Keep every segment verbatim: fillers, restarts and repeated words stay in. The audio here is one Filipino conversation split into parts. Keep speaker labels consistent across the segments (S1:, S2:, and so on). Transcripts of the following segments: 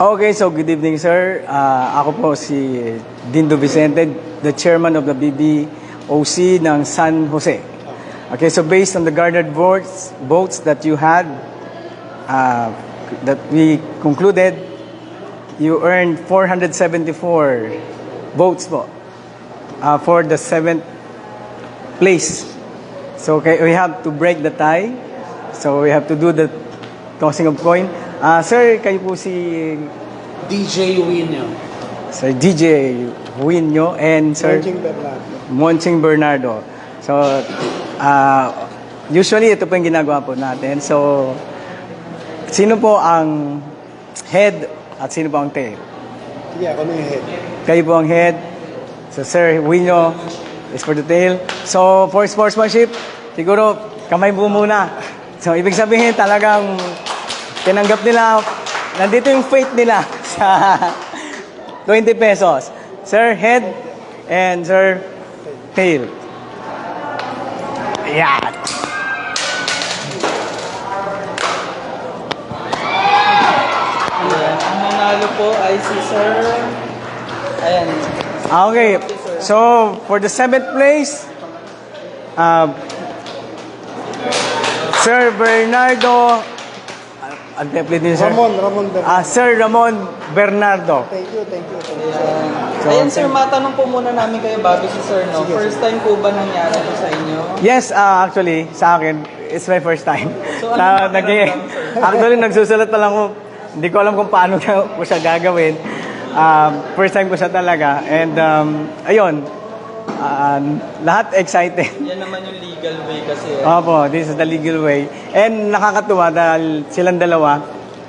S1: Okay, so good evening, sir. Uh, ako po si Dindo Vicente, the chairman of the B B O C ng San Jose. Okay, so based on the garnered votes, votes that you had, uh, that we concluded, you earned four hundred seventy-four votes po uh, for the seventh place. So okay, we have to break the tie. So we have to do the tossing of coin. Uh, sir, kayo po si
S2: D J Winyo.
S1: Sir D J Winyo and Sir
S2: Monching Bernardo.
S1: Monching Bernardo. So, uh, usually ito po yung ginagawa po natin. So, sino po ang head at sino po ang tail?
S2: Sige, ako na yung head.
S1: Kayo po ang head. So, Sir Winyo is for the tail. So, for sportsmanship, siguro kamay po muna. So, ibig sabihin talagang tinanggap nila, nandito yung fate nila sa twenty pesos. Sir, head and Sir, tail. Ayan.
S3: Ayan. Ang nanalo po ay si Sir... Ayan.
S1: Okay, so for the seventh place, uh, Sir Bernardo, ang template din, sir.
S2: Ramon, Ramon Bernardo.
S1: Ah, Sir Ramon Bernardo.
S2: Thank you, thank you. Thank you.
S3: Ayan. Ayan, sir, matanong po muna namin kayo bago si Sir, no?
S2: Sige,
S3: First time po ba nangyari ito sa inyo?
S1: Yes, uh, actually, sa akin, it's my first time.
S3: So,
S1: Sa-
S3: ano
S1: nag-
S3: pakiramdam, sir?
S1: actually, nagsusulat pa lang ko. Hindi ko alam kung paano ko siya gagawin. Um, first time ko siya talaga. And, um, ayun, uh, lahat excited.
S3: Yan naman yung legal way kasi. Eh.
S1: Opo, this is the legal way. And nakakatuwa dahil silang dalawa,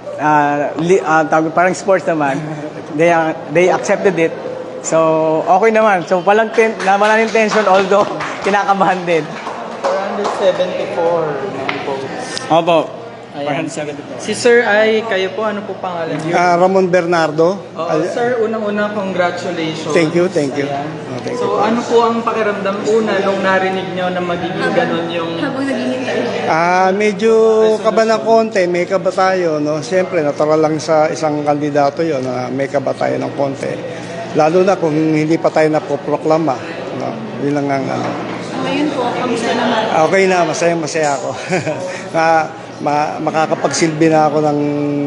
S1: uh, li, uh, tawag- parang sports naman, they, uh, they accepted it. So, okay naman. So, walang ten, na, walang tension, although kinakabahan din.
S3: four hundred seventy-four ng votes.
S1: Opo.
S3: Ayan. Si Sir ay, kayo po, ano po pangalan niyo?
S2: Ah, Ramon Bernardo.
S3: Oo,
S2: Al-
S3: sir, unang-una, congratulations.
S2: Thank you, thank you.
S3: Ayan.
S2: Oh, thank
S3: so, ano po ang pakiramdam una nung narinig nyo na magiging ganun yung...
S4: Habang naghihintay.
S2: Ah, medyo kaba ng konti, may kaba tayo, no? Siyempre, natural lang sa isang kandidato 'yon na may kaba tayo ng konti. Lalo na kung hindi pa tayo napoproklama, no? Yun lang ang ano.
S4: Ngayon po, kamusta naman?
S2: Okay na, masaya-masaya ako. na ma, makakapagsilbi na ako ng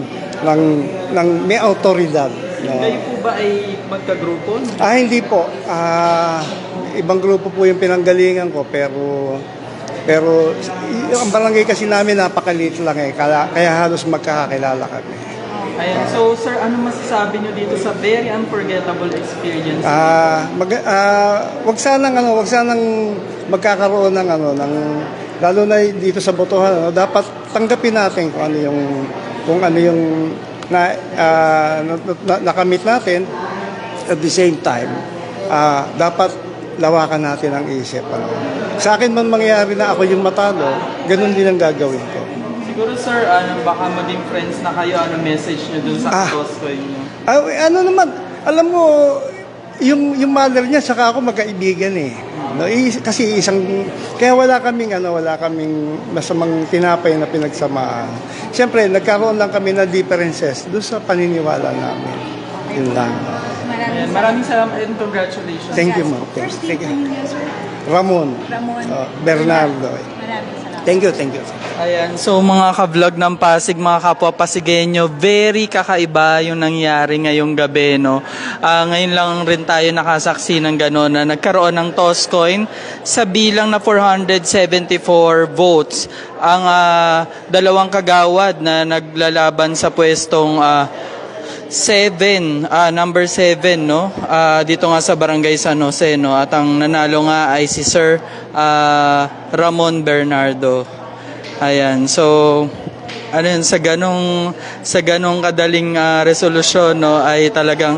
S2: ng ng may autoridad, no?
S3: Kayo po ba ay magkagrupo?
S2: Ah, hindi po. Ah, ibang grupo po yung pinanggalingan ko, pero pero y- ang barangay kasi namin napakaliit lang eh, kaya, kaya halos magkakakilala kami.
S3: Ayan. So, sir, ano masasabi nyo dito sa very unforgettable experience?
S2: Ah, mag ah, wag sanang ano, wag sanang magkakaroon ng ano ng lalo na dito sa botohan, ano, dapat tanggapin natin kung ano yung kung ano yung na, ah, na, na- nakamit natin. At the same time, ah, dapat lawakan natin ang isip. Ano. Sa akin man mangyari na ako yung matalo, ganun din ang gagawin ko.
S3: Siguro, sir, ano, baka maging friends na kayo, ano message nyo dun sa
S2: Ah.
S3: Costco nyo?
S2: Ah, ano naman, alam mo, yung yung mother niya saka ako magkaibigan eh. No, i- kasi isang kaya wala kaming ano, wala kaming masamang tinapay na pinagsamaan. Siyempre, nagkaroon lang kami ng differences doon sa paniniwala namin. Yun lang.
S4: Maraming
S3: Ayan. Maraming salamat and congratulations.
S2: Thank you, ma'am. Thank
S4: First
S2: you. Thank
S4: name
S2: you.
S4: niyo, sir?
S2: Ramon.
S4: Ramon.
S2: Oh, Bernardo.
S4: Maraming salamat.
S2: Thank you, thank you.
S3: Ayan, so mga ka-vlog ng Pasig, mga kapwa Pasigenyo, very kakaiba yung nangyari ngayong gabi, no? Ah, ngayon lang rin tayo nakasaksi ng gano'n na nagkaroon ng toss coin sa bilang na four hundred seventy-four votes. Ang ah, dalawang kagawad na naglalaban sa pwestong ah, seven, ah, number seven, no? Ah, dito nga sa Barangay San Jose, no? At ang nanalo nga ay si Sir ah, Ramon Bernardo. Ayan, so ano yun, sa ganong sa ganong kadaling ah, resolusyon, no, ay talagang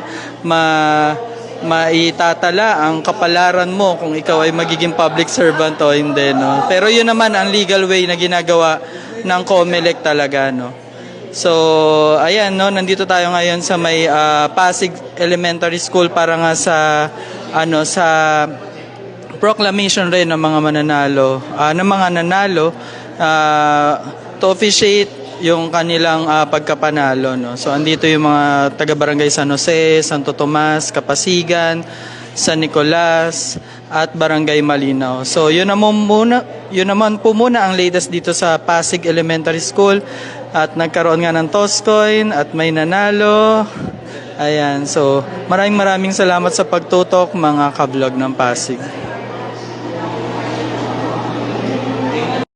S3: ma maitatala ang kapalaran mo kung ikaw ay magiging public servant o hindi, no. Pero yun naman ang legal way na ginagawa ng COMELEC talaga, no. So, ayan, no, nandito tayo ngayon sa may ah, Pasig Elementary School para nga sa ano sa proclamation rin ng mga mananalo, ah, ng mga nanalo uh, to officiate yung kanilang ah, pagkapanalo, no. So andito yung mga taga Barangay San Jose, Santo Tomas, Kapasigan, San Nicolas at Barangay Malinaw. So yun naman muna, yun naman po muna ang latest dito sa Pasig Elementary School at nagkaroon nga ng toss coin at may nanalo. Ayan, so maraming maraming salamat sa pagtutok mga ka-vlog ng Pasig.